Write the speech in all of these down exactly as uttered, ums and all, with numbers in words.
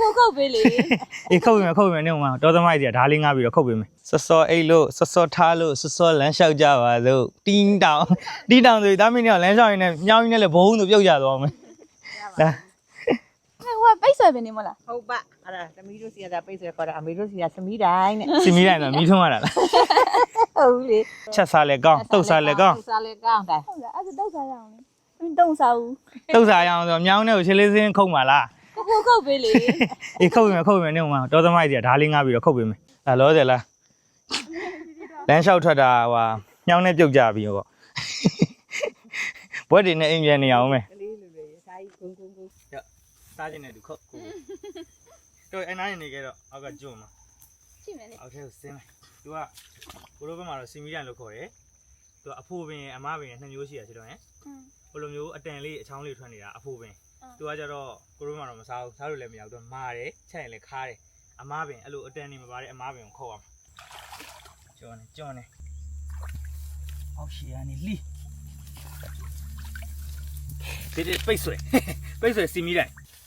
ကိုခုတ်ပေးလေအေးခုတ်ပေးမယ်ခုတ်ပေးမယ်နေမှာတော်သမိုက်ကြီးဒါလေးငါပြီးတော့ခုတ်ပေးမယ်စောစောအိတ်လို့စောစောထားလို့စောစောလမ်းလျှောက်ကြပါစို့တင်းတောင်တင်းတောင်ဆိုဒါမင်းကလမ်းလျှောက်ရင်းနဲ့မြောင်းရင်းနဲ့လည်းဘုံဆိုပြုတ်ကြသွားမယ်လာဟိုပိတ်ဆွဲပဲနေမလားဟုတ်ပါအဲ့ဒါသမီးတို့စီကပိတ်ဆွဲခေါ်တာအမေတို့စီကသမီးတိုင်းနဲ့သမီးတိုင်းတော့မီးထွန်းရတာလားဟုတ်လေချက်စားလဲကောင်းတုတ်စားလဲကောင်းတုတ်စားလဲကောင်းတယ်ဟုတ်လားအဲ့ဒါတုတ်စားရအောင်လေသမီးတုတ်စားဦးတုတ်စားရအောင်ဆိုမြောင်းနဲ့ကိုခြေလေးစင်းခုတ်ပါလားကိုကိုခုတ်ပေးလေအေးခုတ်ပေးမယ်ခုတ်ပေးမယ်နေမှာတော်သမိုက်ကြီးဒါလေးငါပြီးတော့ခုတ်ပေးမယ်ဒါလောဆယ်လားလမ်းလျှောက်ထွက်တာဟိုမြောင်းနဲ့ပြုတ်ကြပြီပေါ့ဘွက်တွေနဲ့အိမ်ပြန်နေအောင်မယ်ကလေးလူတွေစားကြီးဂုံဂုံဂုံစားခြင်းနဲ့သူခုတ်ကိုတော့အဲ့နားနေခဲ့တော့အောက်ကကျွန်းမှာရှိမယ်လေအောက်ထဲကိုဆင်းလိုက်သူကကိုလိုဘက်မှာတော့စီမီတန်လို့ခေါ်တယ်သူကအဖိုးပင်အမပင်နှစ်မျိုးရှိရချင်တော့ဟင်ဟိုလိုမျိုးအတန်လေးအချောင်းလေးထွက်နေတာအဖိုးပင်သူကကြတော့ကိုလိုဘက်မှာတော့မစားဘူးစားလို့လည်းမရဘူးသူမာတယ်ချက်ရင်လည်းခါတယ်အမပင်အဲ့လိုအတန်နေမပါတဲ့အမပင်ကိုခုတ်အောင်ကျွန်းနေကျွန်းနေအောက်ရှိရနေလီဒီဒီပိတ်ဆွဲပိတ်ဆွဲစီမီတန်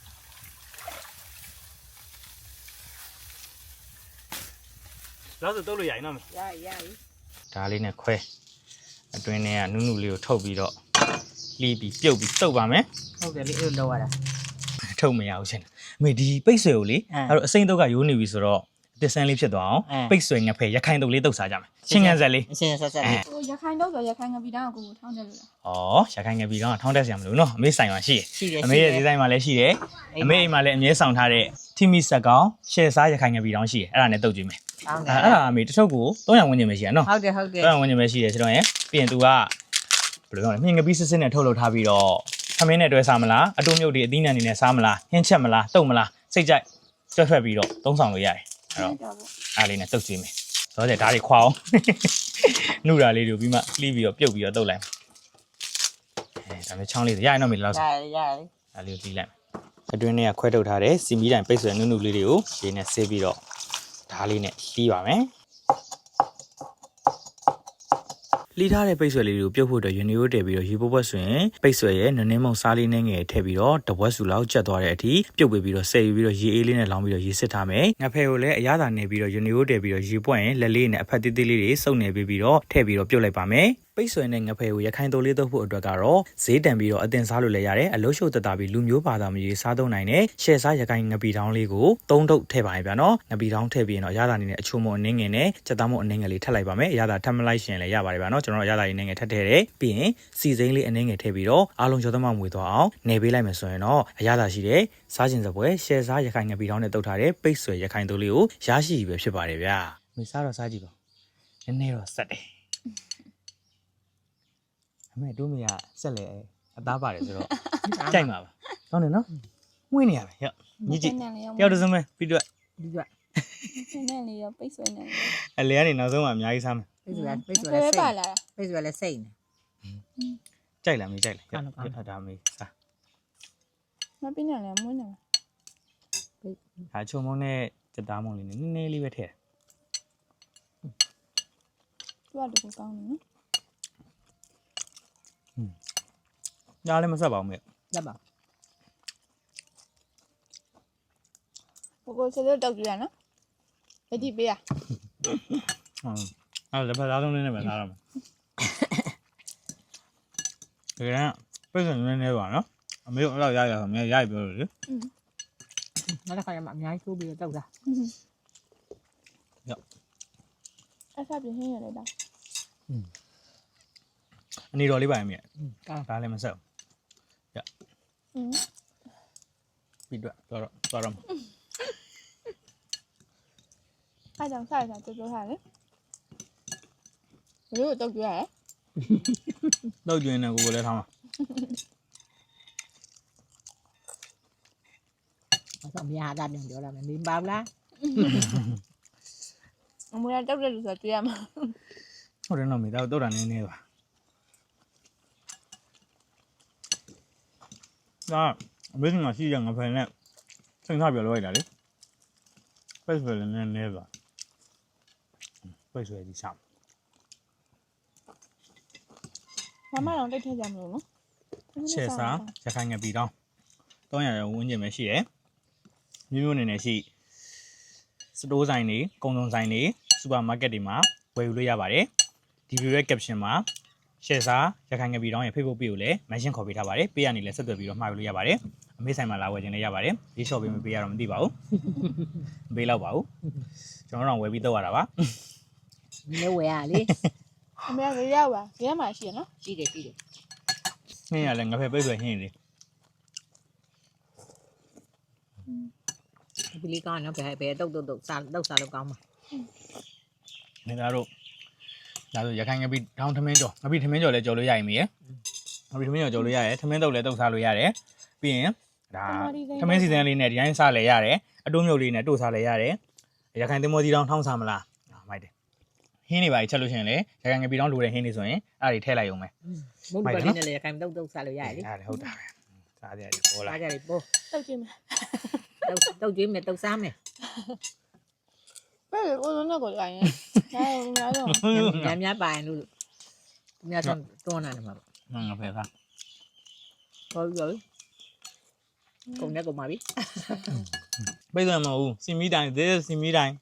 တော့ဆိုတော့လို့ရရင်တော့မရရဒါလေးနဲ့ခွဲအတွင်းထဲကနုနုလေးကိုထုတ်ပြီးတော့လီးပြီးပြုတ်ပြီးတုပ်ပါမယ်ဟုတ်တယ်လေအဲ့လိုလုပ်ရတာထုတ်မရဘူးရှင်အမေဒီပိတ်ဆွဲကိုလေအဲ့တော့အစိမ့်တုပ်ကရိုးနေပြီဆိုတော့အသစ်ဆန်းလေးဖြစ်သွားအောင်ပိတ်ဆွဲငဖဲရခိုင်တုပ်လေးတုပ်စားကြမယ်ချင်းငန်ဆက်လေးချင်းဆက်ဆက်လေးဟိုရခိုင်တုပ်ဆိုရခိုင်ငပီတောင်းကိုကိုထောင်းတယ်လို့လားဩရခိုင်ငပီတောင်းကထောင်းတက်စရာမလိုနော်အမေဆိုင်မှာရှိတယ်အမေရဲ့ဒီဇိုင်းမှာလည်းရှိတယ်အမေအိမ်မှာလည်းအမြဲဆောင်ထားတဲ့ထိမိဆက်ကောင်ရှယ်စားရခိုင်ငပီတောင်းရှိတယ်အဲ့ဒါနဲ့တုပ်ကြည့်မယ်အဲ့ဒါအမေတစ်ထုပ်ကိုသုံးရာဝန်းကျင်ပဲရှိရနော်ဟုတ်တယ်ဟုတ်တယ်သုံးရာဝန်းကျင်ပဲရှိတယ်ဆိုတော့ရင်ပြီးရင် तू ကဘယ်လိုပြောလဲမြင်ငပီးစစ်စစ်နဲ့ထုတ်လုပ်ထားပြီးတော့ခမင်းနဲ့တွဲစားမလားအတုံးမြုပ်တွေအသီးနှံတွေနဲ့စားမလားဟင်းချက်မလားတုပ်မလားစိတ်ကြိုက်တွက်ဖက်ပြီးတော့သုံးဆောင်လို့ရတယ်အဲ့တော့အားလေးနဲ့တုပ်ကြည့်မယ်ဆိုတော့ဒါတွေခွာအောင်နှုတ်တာလေးတွေပြီးမှလှီးပြီးတော့ပြုတ်ပြီးတော့တုပ်လိုက်အဲဒါမျိုးချောင်းလေးရရင်တော့မေလောက်စားရရဒါလေးကိုလှီးလိုက်အတွင်းထဲကခွဲထုတ်ထားတဲ့စီမီတိုင်ပိတ်ဆွဲနုနုလေးတွေကိုရေနဲ့ဆေးပြီးတော့ဒါလေးနဲ့လှီးပါမယ်လှီးထားတဲ့ပိတ်ဆွဲလေးတွေကိုပြုတ်ဖို့အတွက်ယူနီယိုတည်ပြီးတော့ရေပုတ်ပွက်ဆိုရင်ပိတ်ဆွဲရဲ့နည်းနည်းမုံစားလေးနဲ့ငယ်ထည့်ပြီးတော့တဝက်စုလောက်ကျက်သွားတဲ့အထိပြုတ်ပေးပြီးတော့ဆယ်ယူပြီးတော့ရေအေးလေးနဲ့လောင်းပြီးတော့ရေစစ်ထားမယ်ငဖဲကိုလည်းအရသာနေပြီးတော့ယူနီယိုတည်ပြီးတော့ရေပွက်ရင်လက်လေးနဲ့အဖက်သေးသေးလေးတွေစုပ်နေပြီးပြီးတော့ထည့်ပြီးတော့ပြုတ်လိုက်ပါမယ်ပိတ်ဆွဲနဲ့ငဖဲကိုရခိုင်တိုလေးသုံးဖို့အတွက်ကတော့ဈေးတန်ပြီးတော့အတင်စားလို့လည်းရတယ်အလို့ရှုပ်တတာပြီးလူမျိုးဘာသာမကြီးစားသုံးနိုင်တဲ့ရှယ်စားရခိုင်ငပီတောင်းလေးကိုသုံးထုပ်ထည့်ပါရင်ဗျာနော်ငပီတောင်းထည့်ပြီးရင်တော့အရသာနေနဲ့အချို့မအနှင်းငယ်နဲ့စက်သားမအနှင်းငယ်လေးထပ်လိုက်ပါမယ်အရသာထပ်မလိုက်ရှင်လည်းရပါတယ်ဗျာနော်ကျွန်တော်အရသာရင်းငယ်ထပ်ထည့်တယ်ပြီးရင်စီစိမ့်လေးအနှင်းငယ်ထည့်ပြီးတော့အားလုံးကျော်သမမွေသွားအောင်နေပေးလိုက်မယ်ဆိုရင်တော့အရသာရှိတဲ့စားခြင်းစပွဲရှယ်စားရခိုင်ငပီတောင်းနဲ့တုပ်ထားတဲ့ပိတ်ဆွဲရခိုင်တိုလေးကိုရရှိပြီပဲဖြစ်ပါတယ်ဗျာမေစားတော့စားကြည့်ပါနည်းနည်းတော့ဆက်တယ်အမေတို့မရဆက်လေအသားပါတယ်ဆိုတော့ကြိုက်မှာပါကောင်းတယ်နော်ဝင်းနေရမယ်ရောညီကြည့်တယောက်တစ်စုံပဲပြီးတော့ပြီးတော့နည်းနည်းလေးရောပိတ်ဆွဲနေတယ်အလဲကနေနောက်ဆုံးမှအများကြီးစားမယ်ပိတ်ဆွဲပိတ်ဆွဲလည်းစိတ်ပိတ်ဆွဲလည်းစိတ်နေကြိုက်လားမေးကြိုက်လားဟုတ်ဒါမေးစားမပြင်းနဲ့လည်းမွန်းနေဒါချုံမုံနဲ့စက်သားမုံလေးနည်းနည်းလေးပဲထည့်သူကတကူကောင်းနေနော်อืมညားလည်းမဆက်ပါဘူးမေဆက်ပါဘိုးစတဲ့တောက်ကြရနော်လက်ကြည့်ပေးရဟုတ်အဲ့ဒါလည်းဖသားဆုံးလေးနဲ့ပဲစားရမယ်ဒီကပြည့်စုံနေနေပါနော်အမေတို့အဲ့လောက်ရရဆိုအမေရရပြောလို့လေอืมနောက်တစ်ခါရမှာအများကြီးထိုးပြီးတော့တောက်တာရောအဲ့ဆက်ပြင်းရလေတော့อืมအနေတော်လေးပါရင်မြဲဒါလည်းမဆက်ဘူးရอืมပြီးတော့တော့တော့တော့အဲ့ကြောင့်စားရတာပြောထားတယ်ဘယ်လိုတောက်ကြရလဲတောက်ကြရင်လည်းကိုကိုလည်းထားမှာအဲ့တော့မြားတာပြန်ပြောလာမယ်မင်းပါဘူးလားအမရတောက်တယ်လို့ဆိုတွေ့ရမှာဟုတ်တယ်နော်မိသားတောက်တာနည်းနည်းပါဒါအမေကငါရှိရငါဖယ်နဲ့စိတ်ထားပြောလို့ရတာလေပိတ်ဆွဲလည်းနည်းနည်းပါပိတ်ဆွဲဒီစားမမတော့တိတ်ထည့်ကြမလို့နော်ချက်စားရခိုင်ငပီတောင်းသုံးရာဝန်းကျင်ပဲရှိတယ်မျိုးမျိုးနေနေရှိစတိုးဆိုင်တွေကုန်စုံဆိုင်တွေစူပါမားကတ်တွေမှာဝယ်ယူလို့ရပါတယ်ဒီဗီဒီယိုရဲ့ caption မှာ share စာရခိုင်ငပီတောင်းရဲ့ Facebook page ကိုလည်း mention ခေါ်ပေးထားပါတယ်ပေးရနေလဲဆက်သွယ်ပြီးတော့မှာယူလို့ရပါတယ်အမေဆိုင်မှာလာဝယ်ခြင်းလည်းရပါတယ်ဒီ shop ပေးမပေးရတော့မသိပါဘူးမပေးတော့ပါဘူးကျွန်တော်တို့တော့ဝယ်ပြီးတော့ရတာပါမဝယ်ရလေအမေကရပါရမှာရှိရနော်ရှိတယ်ရှိတယ်ဟင်းရလဲငါဖက်ပိတ်ဆွဲဟင်းလေဒီလေးကောင်းနော်ဘယ်ဘယ်တုတ်တုတ်တုတ်စားတုတ်စားလို့ကောင်းမှာနေသားတို့ဒါဆိုရခိုင်ငပီတောင်းထမင်းကြော်ငပီထမင်းကြော်လည်းကြော်လို့ရရင်မေးငပီထမင်းကြော်ကြော်လို့ရတယ်ထမင်းတုတ်လည်းတုတ်စားလို့ရတယ်ပြီးရင်ဒါထမင်းစီစဉ်လေးနဲ့ဒီတိုင်းစားလဲရတယ်အတိုးမြုပ်လေးနဲ့တို့စားလဲရတယ်ရခိုင်သင်္ဘောကြီးတောင်းထောင်းစားမလားမိုက်တယ်ဟင်းနေပါချက်လို့ရှိရင်လေရခိုင်ငပီတောင်းလိုတဲ့ဟင်းတွေဆိုရင်အဲ့ဒါတွေထည့်လိုက်အောင်မယ်မုတ်ပါလေးနဲ့လေရခိုင်တုတ်တုတ်စားလို့ရတယ်လေဟုတ်တယ်ဟုတ်တာပဲစားကြရတယ်ပေါ်လာစားကြရတယ်ပေါ်တုတ်ကြည့်မယ်တုတ်တုတ်ကြည့်မယ်တုတ်စားမယ်ဘယ်လိုလုံးတော့ကိုကြိုင်ရဲအဲများတော့များများပါရင်လို့များတော့တွန်းလာတယ်မှာပေါ့ငါဖယ်သားဟုတ်ပြီကုန်နဲ့ကုန်ပါပြီပိတ်စံမဟုတ်စီမီတိုင်း this စီမီတိုင်း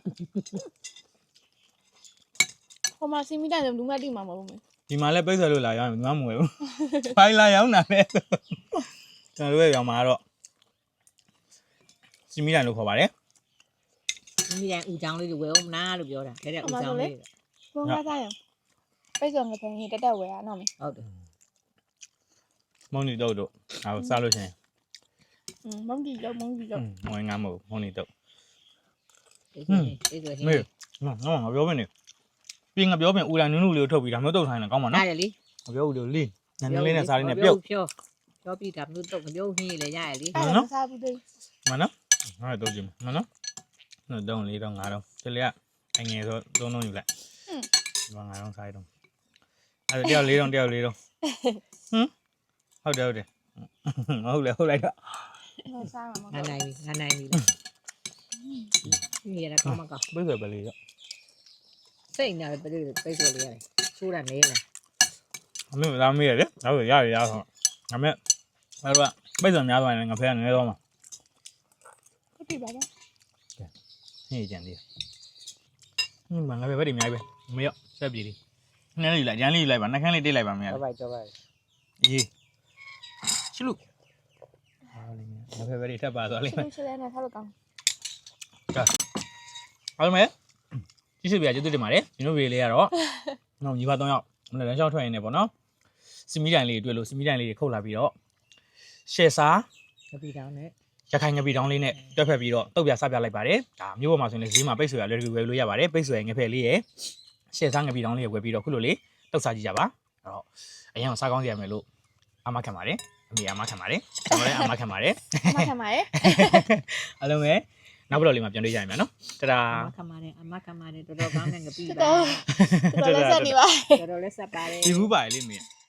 ဟိုမှာစီမီတိုင်းလူမတိမှာမဟုတ်ဘူးဒီမှာလည်းပိတ်စံလို့လာရောက်ရင်ငါမဝယ်ဘူးဖိုင်လာရောက်နာလဲကျွန်တော်တို့ရောင်မှာတော့စီမီတိုင်းလို့ခေါ်ပါတယ်စီမီတိုင်းဦးချောင်းလေးတွေဝယ်အောင်မလားလို့ပြောတာဒါတဲ့ဦးချောင်းလေးဘုံကားသားရပိတ်စောငပင်းဟိတက်တက်ဝယ်ရအောင်မေဟုတ်တယ်မုံနီတော့တို့ဟောစားလို့ရှင်อืมမုံဒီတော့မုံဒီတော့မဝင်ငါမဟုတ်မုံနီတော့ဟင်းအေးဆိုဟင်းမေနော်ငါပြောမနေပြင်ငါပြောပြင်ဦးလာနုနုလေးကိုထုတ်ပြီးဒါမျိုးတုတ်ထိုင်းတယ်ကောင်းပါနော်ဟုတ်တယ်လေငါပြောဦးလေးနန်းလေးနဲ့စားလေးနဲ့ပြုတ်ဖြောပြောပြီးဒါမျိုးတုတ်မျိုးဟင်းလေရရလေနော်စားဘူးသေးမနော်ငါတော့ကြည့်မနော်နော်တော့လေးတော့ငါတော့ဒီလေကအငယ်ဆိုသုံးလုံးယူလိုက်ဟင်းဒီမှာငါတော့စားရတော့အဲ့တယောက်လေးတော့တယောက်လေးတော့ဟမ်ဟုတ်တယ်ဟုတ်တယ်မဟုတ်လေဟုတ်လိုက်တော့စားမှာမဟုတ်နိုင်ပြီငါနိုင်ပြီလေရတာကောင်းမကောင်းပိတ်ဆွဲပဲလေးတော့စိတ်နာပဲပိတ်ပိတ်ဆွဲလေးရတယ်ချိုးတာနေလားအမေလာမေးရတယ်ဒါဆိုရရရဆိုငါမဲ့အဲ့တော့ပိတ်ဆွဲများသွားရင်ငါဖဲကငဲတော့မှာဟုတ်ပြီပါဗျာဟင်းကြံသေးဟင်းမငါပဲပဲဒီအများကြီးပဲမရောဆက်ပြေးလေးနှမ်းလေးလိုက်ဂျမ်းလေးလိုက်ပါနှက်ခမ်းလေးတိတ်လိုက်ပါမရတော့ပါတော့ပါအေးချစ်လို့ဟာလေးငါပဲပဲထပ်ပါသွားလိမ့်မယ်ချစ်လဲနဲ့ထားလို့ကောင်းကဲအားမယ်ကြည့်စပြကျေးဇူးတင်ပါတယ်ဒီလိုဗီဒီယိုလေးကတော့နော်ညီပါ၃ယောက်မနေ့လမ်းလျှောက်ထွက်ရင်းနေပေါ့နော်စီမီတိုင်လေးတွေ့လို့စီမီတိုင်လေးတွေခုတ်လာပြီးတော့ရှယ်စာငပီတောင်းနဲ့ရခိုင်ငပီတောင်းလေးနဲ့တွက်ဖက်ပြီးတော့တုတ်ပြဆပြလိုက်ပါတယ်ဒါမျိုးပေါ်မှာဆိုရင်ဈေးမှာပိတ်ဆွဲရလွယ်တကူဝယ်လို့ရပါတယ်ပိတ်ဆွဲငဖက်လေးရယ်ရှယ်စာငပီတောင်းလေးဝယ်ပြီးတော့ခုလိုလေးတုတ်စားကြည့်ကြပါအဲ့တော့အရင်ကစားကောင်းစီရမယ်လို့အမခံပါတယ်အမေအမခံပါတယ်ကျွန်တော်လည်းအမခံပါတယ်အမခံပါတယ်အားလုံးပဲနောက်ဘက်လေးမှာပြန်တွေ့ကြရမယ်နော်တဒါအမခံပါတယ်အမခံပါတယ်တော်တော်ကောင်းတဲ့ငပီပါတော်တော်လက်ဆက်နေပါတော်တော်လက်ဆက်ပါတယ်ဒီဘူးပါလေမင်း